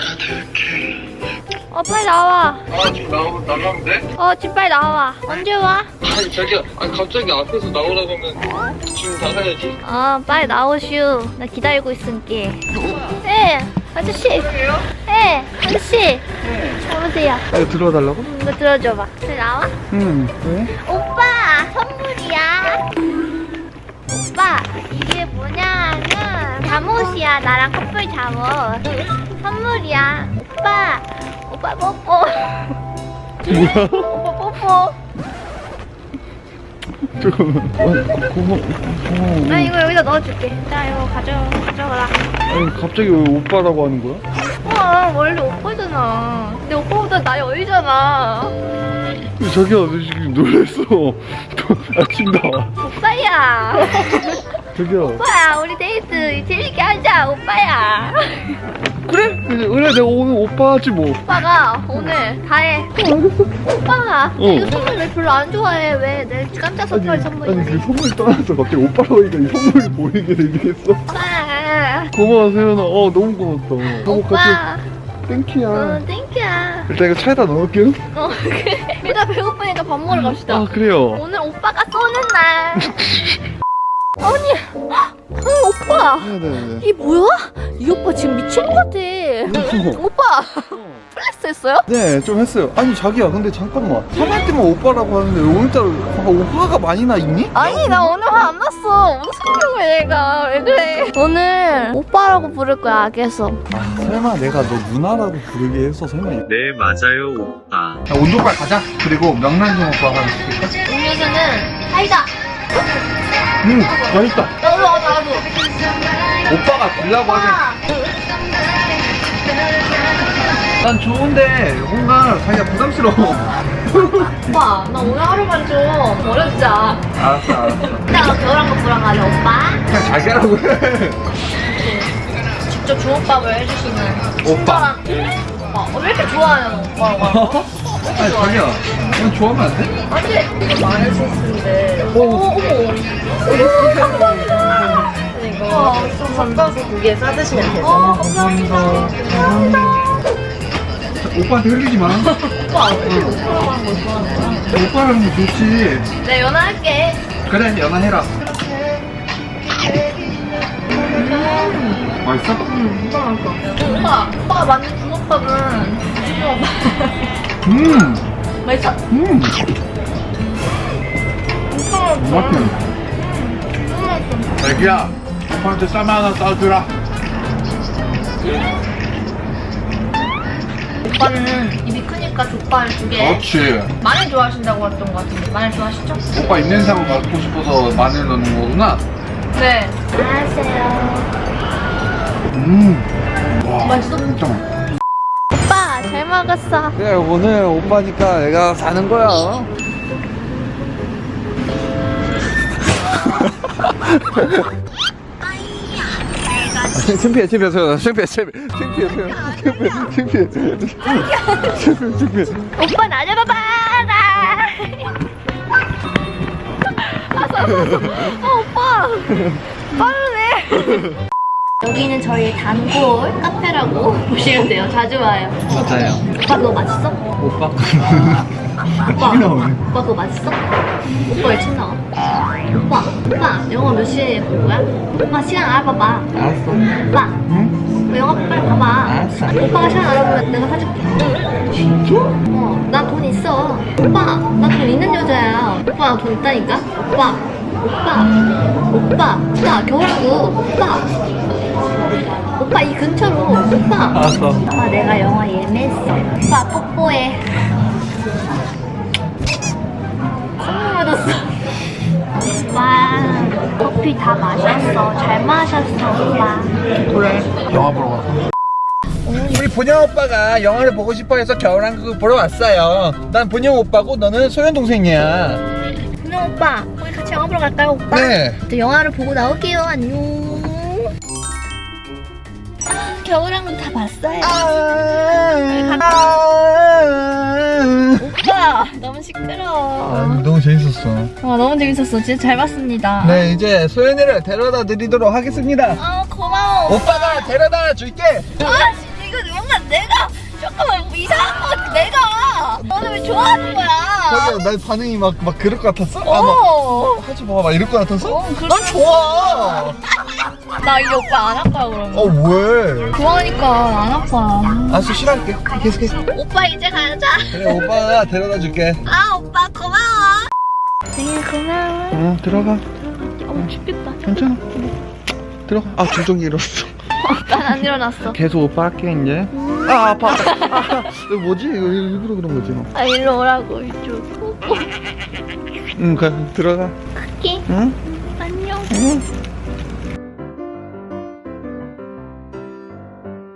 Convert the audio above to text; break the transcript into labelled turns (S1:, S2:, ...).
S1: 빨리 나와.
S2: 지금 나가면 돼?
S1: 지금 빨리 나와. 언제 와?
S2: 아니 자기야, 갑자기 앞에서 나오라고 하면 지금 나가야지.
S1: 빨리 나오슈. 나 기다리고 있을게. 네, 아저씨. 네, 아저씨. 오세요.
S3: 이거 들어달라고?
S1: 이거 들어줘봐. 빨리 나와.
S3: 왜?
S1: 오빠, 선물이야. 오빠, 이게 뭐냐면 잠옷이야. 나랑 커플 잠옷. 선물이야. 오빠 뽀뽀.
S3: 뭐야?
S1: 오빠 뽀뽀.
S3: 잠깐만. 고마워.
S1: 나 이거 여기다 넣어줄게. 자, 이거 가져가라.
S3: 아니, 갑자기 왜 오빠라고 하는 거야?
S1: 원래 오빠잖아. 근데 오빠보다 나이 어리잖아.
S3: 자기야, 너 지금 놀랬어. 아침 나와.
S1: 오빠야.
S3: 자기야.
S1: 오빠야, 우리 데이트 재밌게 하자. 오빠야.
S3: 그래, 내가 오늘 오빠 하지 뭐.
S1: 오빠가 오늘 다 해. 오빠가 이거 선물 왜 별로 안 좋아해? 왜 내 깜짝 서프라이즈 선물이지?
S3: 아니, 그 선물 떠나서 갑자기 오빠라고 하니까 이 선물이 보이게 되겠어.
S1: 오빠.
S3: 고마워, 세연아. 너무 고맙다.
S1: 오빠.
S3: 땡큐야.
S1: 땡큐야.
S3: 일단 이거 차에다 넣을게요.
S1: 그래. 일단 배고프니까 밥 먹으러 갑시다.
S3: 그래요.
S1: 오늘 오빠가 쏘는 날. 언니. 오빠.
S3: 네네네.
S1: 이 뭐야? 이 오빠 지금 미친 것 같아. 오빠. 플렉스 했어요?
S3: 네, 좀 했어요. 아니, 자기야, 근데 잠깐만. 화날 때만 오빠라고 하는데 오늘따라 화가 많이 나 있니?
S1: 아니 나 오늘 화 안 났어. 무슨 소리야 얘가. 왜 그래? 오늘 오빠라고 부를 거야 악에서.
S3: 설마 내가 너 누나라고 부르게 해서 설마.
S4: 네, 맞아요, 오빠.
S3: 온도빨 가자. 그리고 명란젓 오빠 하나 시킬까?
S1: 음료수는 사이다.
S3: 맛있다.
S1: 나도.
S3: 오빠가 주려고 하긴. 난 좋은데 뭔가 자기가 부담스러워.
S1: 오빠 나 오늘 하루만 좀 버려주자.
S3: 알았어.
S1: 이따가 겨울왕국 보러 가자 오빠.
S3: 그냥 자기라고 해.
S1: 직접 주먹밥을 해주시는
S3: 오빠.
S1: 오빠. 왜 이렇게 좋아하는 오빠라고 하는 거?
S3: 아니, 자기야. 넌 좋아하면 안 돼?
S1: 안돼. 이거 많은 소스인데. 어머. 감사합니다. 이거 좀 건져서 고기에 싸드시면 돼요. 감사합니다.
S3: 오빠한테 흘리지 마.
S1: 오빠 어떻게 오빠라고 하는 거 좋아하는
S3: 오빠랑 좋지.
S1: 네 연하할게.
S3: 그래, 연하해라. 맛있어?
S1: 오빠가 만든 주먹밥은 맛있어?
S3: 맛있네. 자기야, 오빠한테 쌈 하나 싸주라.
S1: 오빠는 입이 크니까 족발 2개.
S3: 그렇지.
S1: 마늘 좋아하신다고 했던 것 같은데 마늘 좋아하시죠?
S3: 오빠 입냄새만 맡고 싶어서 마늘 넣는 거구나.
S1: 네. 안녕하세요.
S3: 와,
S1: 맛있어?
S3: 진짜 맛있어.
S1: 오빠 잘 먹었어.
S3: 그래, 오늘 오빠니까 내가 사는 거야. 창피해.
S1: 오빠 나 잡아봐라. 오빠 빠르네. 여기는 저희 단골 카페라고 보시면 돼요. 자주 와요.
S3: 맞아요.
S1: 오빠 그거 맛있어?
S3: 오빠.
S1: 오빠 그거 맛있어? 오빠 왜 침 나와? 오빠 영화 몇 시에 볼 거야? 오빠 시간 알아봐봐.
S3: 알았어.
S1: 오빠
S3: 응?
S1: 영화 빨리 봐봐.
S3: 알았어.
S1: 오빠가 시간 알아보면 내가 사줄게.
S3: 진짜?
S1: 나 돈 있어. 오빠 나 돈 있는 여자야. 오빠 나 돈 있다니까. 오빠 겨울왕국 오빠 이 근처로 오빠.
S3: 알았어.
S1: 오빠 내가 영화 예매했어. 오빠 뽀뽀해. 콧물 묻었어. 오빠 커피 다 마셨어. 잘 마셨어 오빠.
S3: 그래. 영화 보러 왔어. 우리 본영 오빠가 영화를 보고 싶어해서 겨울왕국을 보러 왔어요. 난 본영 오빠고 너는 소연 동생이야.
S1: 분영 오빠 우리 같이 영화 보러 갈까요 오빠?
S3: 네.
S1: 또 영화를 보고 나올게요. 안녕. 겨울왕국 다 봤어요. 오빠 너무 시끄러워.
S3: 너무 재밌었어.
S1: 너무 재밌었어. 진짜 잘 봤습니다.
S3: 네, 이제 소연이를 데려다 드리도록 하겠습니다.
S1: 고마워.
S3: 오빠가 데려다 줄게.
S1: 진짜 이거 뭔가 내가 잠깐만 뭐 이상한 거 같아. 내가 너는 왜 좋아하는 거야?
S3: 자기야 나 반응이 막 그럴 것 같았어? 하지 마 이럴 것 같았어? 난 좋아.
S1: 나 이제 오빠 안 할 거야 그러면.
S3: 왜?
S1: 좋아하니까 안 할 거야.
S3: 알았어 싫어할게 계속해.
S1: 오빠 이제 가자.
S3: 그래 오빠가 데려다 줄게.
S1: 아 오빠 고마워. 생일 고마워.
S3: 응 들어가.
S1: 춥겠다.
S3: 괜찮아. 들어가. 아 주종이 일어났어.
S1: 난 안 일어났어.
S3: 계속 오빠 할게 이제. 아 아파. 이거 뭐지? 이거 일부러 그런 거지.
S1: 아 일로 오라고 이쪽.
S3: 응 들어가.
S1: 갈게.
S3: 응?
S1: 안녕.
S3: 응.